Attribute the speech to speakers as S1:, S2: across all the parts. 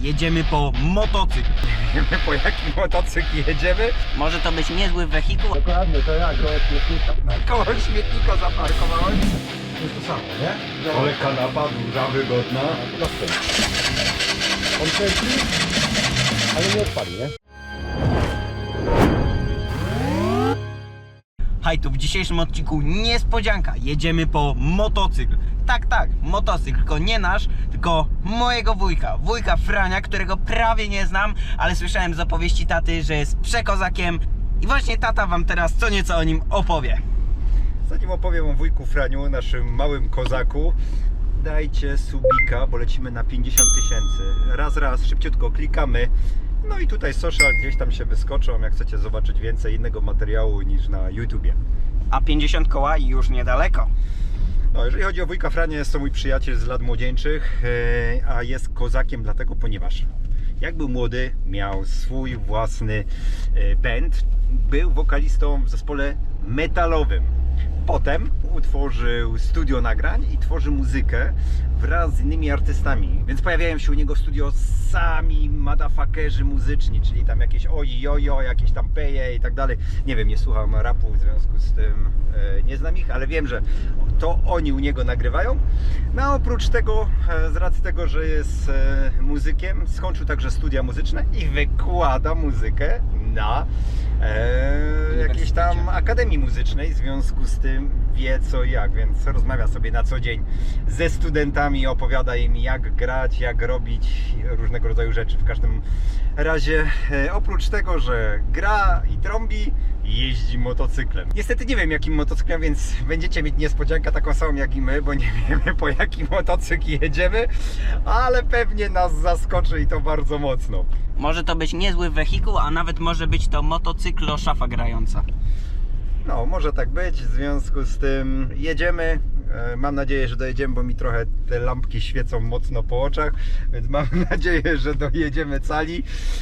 S1: jedziemy po motocykl.
S2: Wiemy, po jaki motocykl jedziemy?
S1: Może to być niezły wehikuł.
S3: Dokładnie, to ja koło śmietnika.
S2: Koło śmietnika zaparkowałem.
S3: To jest to samo, nie?
S2: Ale kanapa duża, wygodna.
S3: Proste. On kręci, ale nie odpali, nie?
S1: Hej, tu w dzisiejszym odcinku niespodzianka. Jedziemy po motocykl. Tak, motocykl, tylko nie nasz, tylko mojego wujka Frania, którego prawie nie znam, ale słyszałem z opowieści taty, że jest przekozakiem i właśnie tata wam teraz co nieco o nim opowie.
S2: Zanim opowiem o wujku Franiu, naszym małym kozaku, dajcie subika, bo lecimy na 50 000. Raz, szybciutko klikamy. No i tutaj social gdzieś tam się wyskoczą, jak chcecie zobaczyć więcej innego materiału niż na YouTubie.
S1: A 50 koła już niedaleko.
S2: No, jeżeli chodzi o wujka Frania, jest to mój przyjaciel z lat młodzieńczych, a jest kozakiem dlatego, ponieważ jak był młody, miał swój własny band, był wokalistą w zespole metalowym. Potem utworzył studio nagrań i tworzy muzykę wraz z innymi artystami. Więc pojawiają się u niego w studio sami motherfuckerzy muzyczni, czyli tam jakieś ojojo, jakieś tam peje i tak dalej. Nie wiem, nie słucham rapu, w związku z tym nie znam ich, ale wiem, że to oni u niego nagrywają. No a oprócz tego, z racji tego, że jest muzykiem, skończył także studia muzyczne i wykłada muzykę na jakiejś tam akademii muzycznej, w związku z tym wie co i jak, więc rozmawia sobie na co dzień ze studentami, opowiada im jak grać, jak robić różnego rodzaju rzeczy. W każdym razie oprócz tego, że gra i trąbi, jeździ motocyklem. Niestety nie wiem jakim motocyklem, więc będziecie mieć niespodziankę taką samą jak i my, bo nie wiemy po jaki motocykl jedziemy, ale pewnie nas zaskoczy i to bardzo mocno.
S1: Może to być niezły wehikuł, a nawet może być to motocyklo szafa grająca.
S2: No, może tak być, w związku z tym jedziemy. Mam nadzieję, że dojedziemy, bo mi trochę te lampki świecą mocno po oczach, więc mam nadzieję, że dojedziemy cali,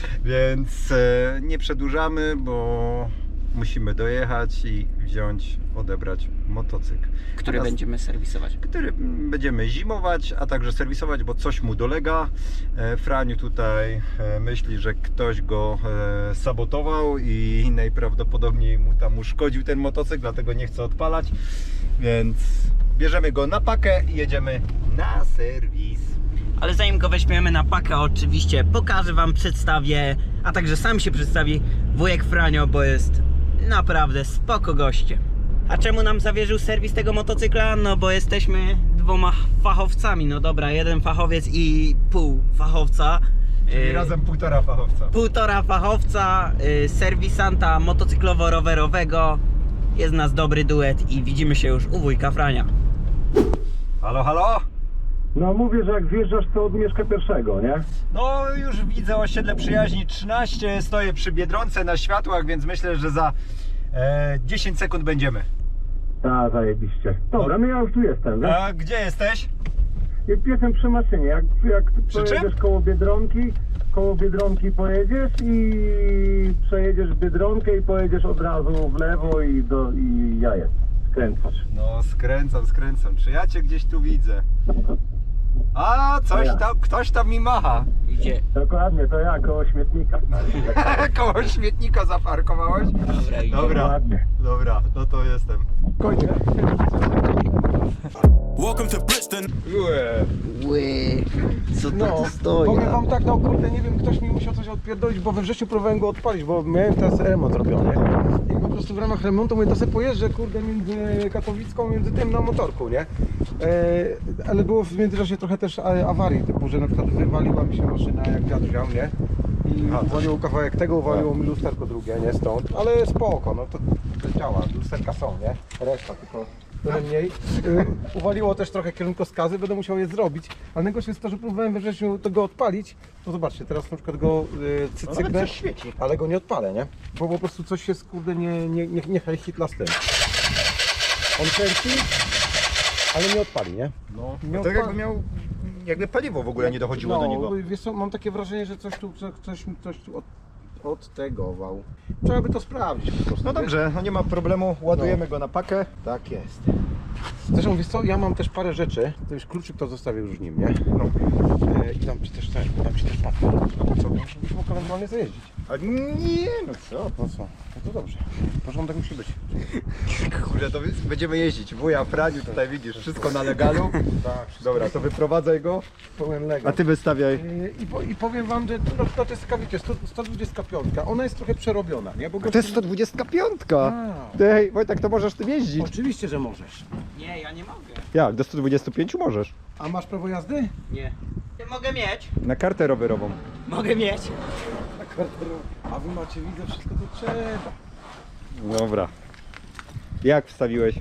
S2: więc nie przedłużamy, bo musimy dojechać i wziąć, odebrać motocykl.
S1: Który będziemy serwisować.
S2: Który będziemy zimować, a także serwisować, bo coś mu dolega. Franiu tutaj myśli, że ktoś go sabotował i najprawdopodobniej mu tam uszkodził ten motocykl, dlatego nie chce odpalać, więc bierzemy go na pakę i jedziemy na serwis.
S1: Ale zanim go weźmiemy na pakę, oczywiście pokażę wam, przedstawię, a także sam się przedstawi wujek Franio, bo jest naprawdę spoko gościem. A czemu nam zawierzył serwis tego motocykla? No bo jesteśmy dwoma fachowcami, no dobra, jeden fachowiec i pół fachowca.
S2: Czyli razem półtora fachowca.
S1: Półtora fachowca, serwisanta motocyklowo-rowerowego. Jest nas dobry duet i widzimy się już u wujka Frania.
S2: Halo, halo?
S3: No mówię, że jak wjeżdżasz, to od Mieszka pierwszego, nie?
S2: No już widzę osiedle przyjaźni 13, stoję przy Biedronce na światłach, więc myślę, że za 10 sekund będziemy.
S3: Tak, zajebiście. Dobra, no ja już tu jestem, wiesz?
S2: A gdzie jesteś?
S3: Jestem przy maszynie, jak
S2: Przy
S3: pojedziesz
S2: czym?
S3: koło Biedronki pojedziesz i przejedziesz Biedronkę i pojedziesz od razu w lewo i ja jestem. Skręcasz.
S2: No skręcam. Czy ja cię gdzieś tu widzę? A coś
S3: ja.
S2: tam, ktoś tam mi macha.
S1: Idzie.
S3: Dokładnie, to ja koło śmietnika.
S2: Koło śmietnika zaparkowałeś?
S1: Dobra, idzie.
S3: Dokładnie.
S2: Dobra, no to jestem.
S3: Kończę.
S4: Welcome to Brixton.
S1: Ły, co to
S3: No,
S1: tu stoi?
S3: powiem wam tak, no kurde, nie wiem, ktoś mi musiał coś odpierdolić, bo we wrześniu próbowałem go odpalić, bo miałem teraz remont robiony. I po prostu w ramach remontu mówię, to sobie pojeżdżę, kurde, między Katowicką, między tym na motorku, nie? Ale było w międzyczasie trochę też awarii, typu, że na przykład wywaliła mi się maszyna, jak wiatr wziął, nie? I uwaliło kawałek tego, uwaliło mi lusterko drugie, nie? Stąd, ale spoko, no to działa, lusterka są, nie? Reszta tylko trochę mniej. Uwaliło też trochę kierunkowskazy, będę musiał je zrobić, ale najgorsze jest to, że próbowałem we wrześniu tego odpalić. No zobaczcie, teraz na przykład go cyknę, ale go nie odpalę, nie? Bo po prostu coś się kurde nie hitla z tym. On kręci, ale nie odpali, nie?
S2: No,
S3: Nie
S2: tak
S3: odpali.
S2: jakby paliwo w ogóle nie dochodziło do niego.
S3: Wiesz co, mam takie wrażenie, że coś tu odtegował. Trzeba by to sprawdzić po prostu.
S2: No dobrze, no nie ma problemu, ładujemy go na pakę. Tak jest.
S3: Zresztą wiesz co, ja mam też parę rzeczy, to już kluczyk to zostawię już nim, nie? No. I dam ci też papier. A po co? Musimy normalnie zajeździć.
S2: A nie, no co?
S3: No co? No to dobrze. Porządek musi być.
S2: Kurde, to będziemy jeździć. Wuja, Franiu, tutaj widzisz, wszystko na legalu.
S3: Tak,
S2: Dobra, to wyprowadzaj go,
S3: pełen Lego.
S2: a ty wystawiaj.
S3: I powiem wam, że to jest taka, wiecie, 125, ona jest trochę przerobiona, nie? Bo
S2: To jest 125.
S3: A.
S2: Ty, Wojtek, to możesz tym jeździć.
S3: Oczywiście, że możesz.
S1: Nie, ja nie mogę.
S2: Jak? Do 125 możesz.
S3: A masz prawo jazdy?
S1: Nie. Mogę mieć.
S2: Na kartę rowerową.
S1: Mogę mieć.
S3: A wy macie, widzę, wszystko to trzeba.
S2: Dobra. Jak wstawiłeś?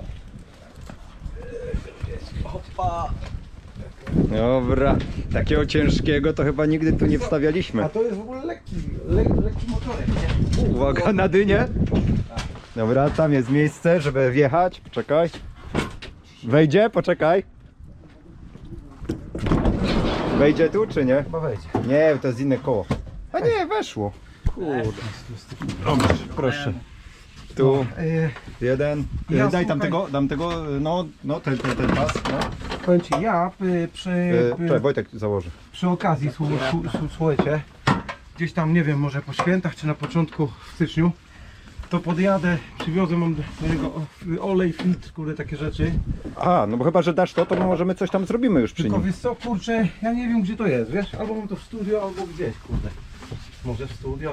S1: Opa.
S2: Dobra. Takiego ciężkiego to chyba nigdy tu nie wstawialiśmy.
S3: A to jest w ogóle lekki motorek, nie?
S2: Uwaga na dynię. Dobra, tam jest miejsce, żeby wjechać. Poczekaj. Wejdzie? Poczekaj. Wejdzie tu czy nie?
S3: Chyba wejdzie.
S2: Nie, to jest inne koło. A nie, weszło. Kurde. Proszę. Tu jeden.
S3: Ja
S2: Daj tam
S3: słuchaj-
S2: tego, dam tego, no ten pas. No.
S3: Powiem ci, ja
S2: Czekaj, Wojtek założy.
S3: przy okazji, słuchajcie, gdzieś tam, nie wiem, może po świętach, czy na początku w styczniu, to podjadę, przywiozę, mam do niego olej, filtr, kurde, takie rzeczy.
S2: A, no bo chyba, że dasz to możemy coś tam zrobimy już przy
S3: Tylko
S2: nim.
S3: wiesz co, kurczę, ja nie wiem, gdzie to jest, wiesz? Albo mam to w studio, albo gdzieś, kurde. Może w studio.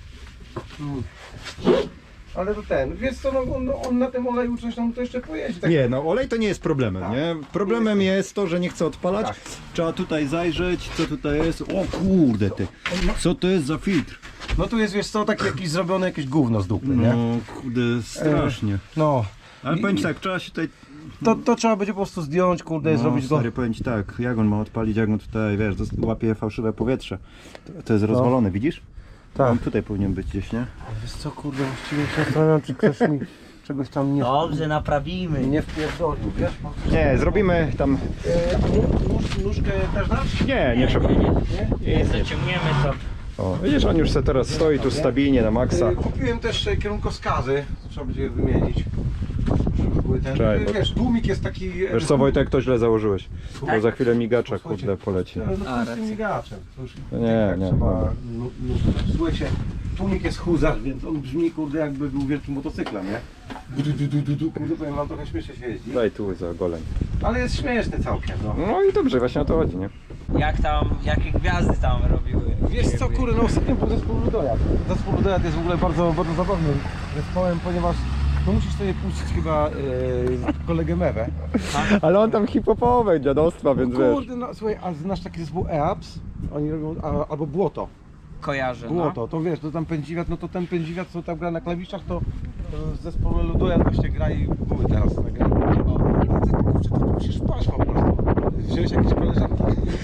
S3: Ale to wiesz co, on na tym oleju coś tam to jeszcze pojeździ. Tak.
S2: Nie, no olej to nie jest problemem,
S3: Tak.
S2: nie? Problemem jest to, że nie chce odpalać.
S3: Tak.
S2: Trzeba tutaj zajrzeć, co tutaj jest. O kurde ty, co to jest za filtr?
S3: No tu jest, wiesz co, takie jakieś zrobione jakieś gówno z dupy, nie?
S2: No kurde, strasznie.
S3: No.
S2: Ale powiem ci tak, trzeba się tutaj...
S3: To trzeba będzie po prostu zdjąć, kurde,
S2: No,
S3: zrobić go.
S2: stary, powiem ci tak, jak on ma odpalić, jak on tutaj, wiesz, łapie fałszywe powietrze. To jest rozwalone, widzisz?
S3: Tak.
S2: On tutaj powinien być gdzieś, nie?
S3: Wiesz co, kurde, właściwie się zastanawiam, czy ktoś mi czegoś tam
S1: Dobrze, naprawimy.
S3: nie wpierdolił, wiesz?
S2: Nie, zrobimy tam...
S3: Nóżkę też dasz?
S2: Nie trzeba.
S1: Nie zaciągniemy to.
S2: O, widzisz, on już se teraz stoi tu stabilnie na maksa.
S3: Kupiłem też kierunkowskazy, trzeba będzie je wymienić. Żeby były ten,
S2: Czekaj, bo-
S3: wiesz, tłumik jest taki...
S2: Wiesz co, Wojtek, to źle założyłeś. Bo
S1: Tak?
S2: za chwilę migacza,
S3: Słuchajcie,
S2: kurde, poleci.
S3: No to
S1: A,
S3: z tym
S1: racja.
S3: migaczem. To już
S2: Nie,
S3: tak
S2: nie,
S3: trzeba
S2: dobra.
S3: Słuchajcie, tłumik jest huzar, więc on brzmi, kurde, jakby był wielkim motocyklem, nie? Kurde, powiem wam, trochę śmiesznie się jeździ.
S2: Daj tu za goleń.
S3: Ale jest śmieszny całkiem, no.
S2: No i dobrze, właśnie o to chodzi, nie?
S1: Jak tam, jakie gwiazdy tam robiły?
S3: Wiesz co, kurde, no ostatnio był zespół Ludojad. Zespół Ludojad jest w ogóle bardzo, bardzo zabawnym zespołem, ponieważ no musisz sobie puścić chyba kolegę Mewę.
S2: Ale on tam hip-hopowe dziadostwa, więc wiesz.
S3: Kurde, no słuchaj, a znasz taki zespół EAPS? Oni robią, albo Błoto.
S1: Kojarzę, no.
S3: Błoto, to wiesz, to tam pędziwiat, no to ten pędziwiat, co tam gra na klawiszach, to w zespole Ludojad właśnie gra i były teraz na grę. I ty, kurczę, to musisz spać po prostu. Wziąłeś jakieś koleżanki?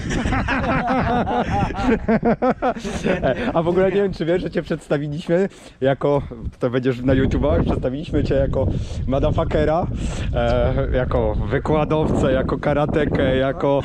S2: A w ogóle nie wiem, czy wiesz, że cię przedstawiliśmy jako, to będziesz na YouTubach, przedstawiliśmy cię jako motherfuckera, jako wykładowcę, jako karatekę, jako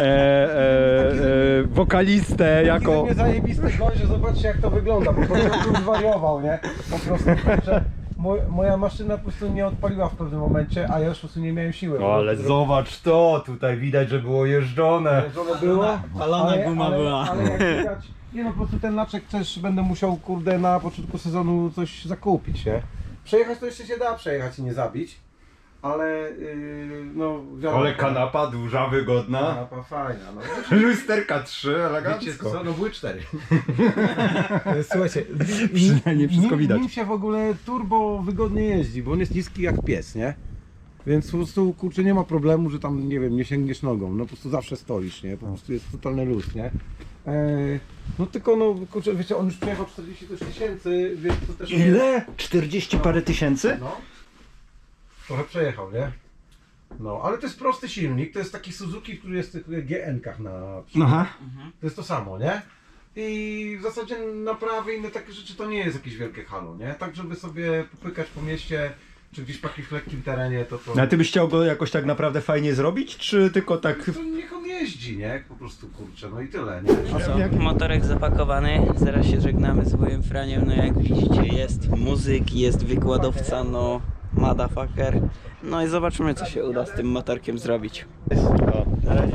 S2: wokalistę,
S3: Jako...
S2: jako...
S3: mnie zajebiste gość, że zobaczcie jak to wygląda, po prostu bym zwariował, nie? Po prostu, kurczę, moja maszyna po prostu nie odpaliła w pewnym momencie, a ja już po prostu nie miałem siły.
S2: No ale zobacz to, tutaj widać, że było jeżdżone.
S3: Jeżdżone było,
S1: palona guma była.
S3: Ale jak widać, nie no po prostu ten laczek też będę musiał, kurde, na początku sezonu coś zakupić, nie? Przejechać to jeszcze się da przejechać i nie zabić, ale no wiadomo.
S2: Ale kanapa duża, wygodna.
S3: Kanapa fajna, no.
S2: Lusterka 3,
S3: Wiecie
S2: elegancko.
S3: co, no były 4. Słuchajcie,
S2: Przynajmniej wszystko widać.
S3: Nim się w ogóle turbo wygodnie jeździ, bo on jest niski jak pies, nie? Więc po prostu, kurczę, nie ma problemu, że tam, nie wiem, nie sięgniesz nogą, no po prostu zawsze stoisz, nie? Po prostu jest totalny luz, nie? No tylko, no kurczę, wiecie, on już przejechał 40 tysięcy, więc to też...
S2: Ile? 40 parę tysięcy?
S3: No. Trochę przejechał, nie? No, ale to jest prosty silnik, to jest taki Suzuki, który jest w tych GN-kach na przykład.
S2: Aha.
S3: To jest to samo, nie? I w zasadzie naprawy i inne takie rzeczy to nie jest jakieś wielkie halo, nie? Tak żeby sobie popykać po mieście, czy gdzieś w jakimś lekkim terenie, to...
S2: A ty byś chciał go jakoś tak naprawdę fajnie zrobić, czy tylko tak...
S3: To niech on jeździ, nie? Po prostu, kurczę, no i tyle, nie?
S1: A co? Motorek zapakowany, zaraz się żegnamy z wujem Franiem, no jak widzicie jest muzyk, jest wykładowca, no motherfucker. No i zobaczymy, co się uda z tym motorkiem zrobić.
S2: Na razie.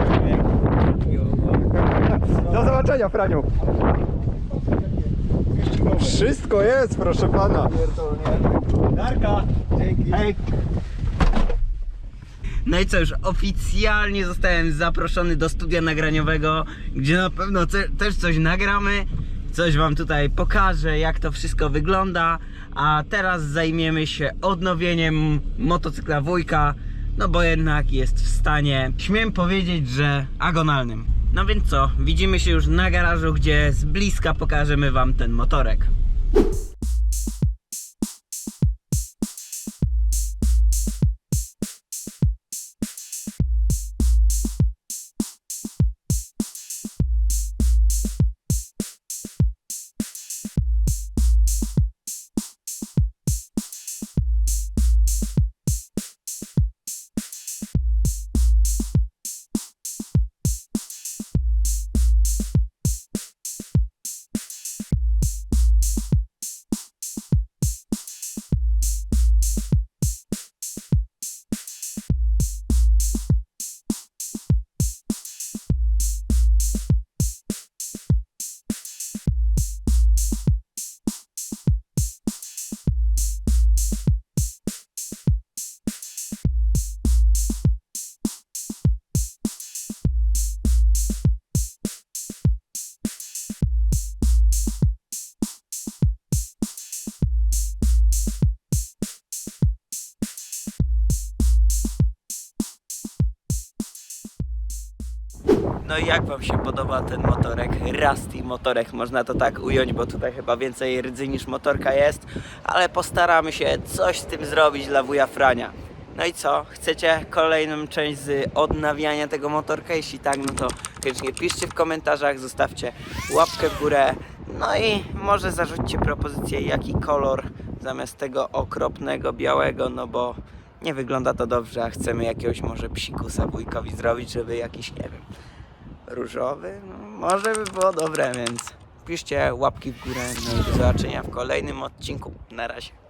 S2: Do zobaczenia, Franiu. Wszystko jest, proszę pana. Darka. Dzięki. Hej.
S1: No i co, już oficjalnie zostałem zaproszony do studia nagraniowego, gdzie na pewno też coś nagramy, coś wam tutaj pokażę, jak to wszystko wygląda. A teraz zajmiemy się odnowieniem motocykla wujka, no bo jednak jest w stanie, śmiem powiedzieć, że agonalnym. No więc co, widzimy się już na garażu, gdzie z bliska pokażemy wam ten motorek. No i jak wam się podoba ten motorek? Rusty motorek, można to tak ująć, bo tutaj chyba więcej rdzy niż motorka jest, ale postaramy się coś z tym zrobić dla wuja Frania. No i co? Chcecie kolejną część z odnawiania tego motorka? Jeśli tak, no to koniecznie piszcie w komentarzach, zostawcie łapkę w górę, no i może zarzućcie propozycję, jaki kolor zamiast tego okropnego białego, no bo nie wygląda to dobrze, a chcemy jakiegoś może psikusa wujkowi zrobić, żeby jakiś, nie wiem, różowy, no, może by było dobre, więc piszcie łapki w górę, no i do zobaczenia w kolejnym odcinku. Na razie.